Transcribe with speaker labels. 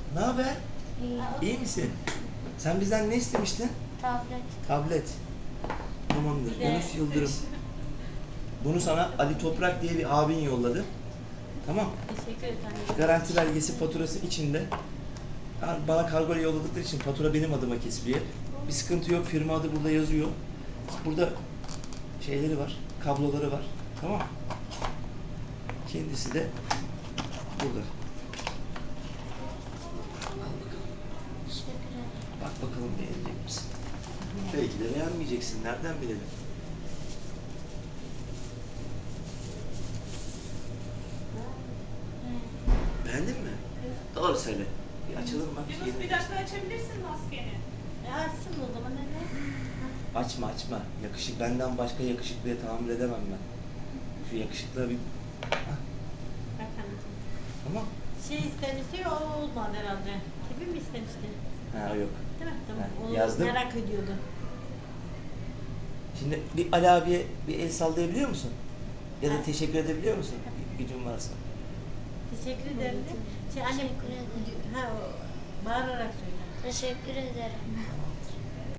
Speaker 1: Ne haber?
Speaker 2: İyi.
Speaker 1: İyi misin? Sen bizden ne istemiştin?
Speaker 2: Tablet.
Speaker 1: Tablet. Tamamdır. Yunus Yıldırım. Bunu sana Ali Toprak diye bir abin yolladı. Tamam.
Speaker 3: Teşekkür ederim.
Speaker 1: Garanti belgesi, faturası içinde. Bana kargoyla yolladıkları için fatura benim adıma kesiliyor. Bir sıkıntı yok. Firma adı burada yazıyor. Burada şeyleri var. Kabloları var. Tamam. Kendisi de burada.
Speaker 2: Teşekkür ederim.
Speaker 1: Bak bakalım beğenecek misin? Belki de beğenmeyeceksin. Nereden bilelim? Beğendin mi? Doğru söyle. Bir açalım bak.
Speaker 4: Yunus bir dakika açabilirsin maskeni.
Speaker 3: Açsın o zaman hele.
Speaker 1: Açma açma. Yakışık benden başka yakışıklıya tahammül edemem ben. Şu yakışıklığa bir... Hah,
Speaker 3: Bak anneciğim.
Speaker 1: tamam.
Speaker 3: Şey istemişti o olmadı herhalde. Gibi mi istemişti?
Speaker 1: Ha yok.
Speaker 3: Değil mi? Tamam.
Speaker 1: Ha,
Speaker 3: Onu
Speaker 1: yazdım.
Speaker 3: merak ediyordu.
Speaker 1: Şimdi bir Ali abiye bir el sallayabiliyor musun? Ya da
Speaker 3: Ha.
Speaker 1: teşekkür edebiliyor musun? Gücün varsa.
Speaker 3: Teşekkür ederim de. Şey anne
Speaker 2: Teşekkür ederim.
Speaker 3: ha o bağırarak söyle.
Speaker 2: Teşekkür ederim.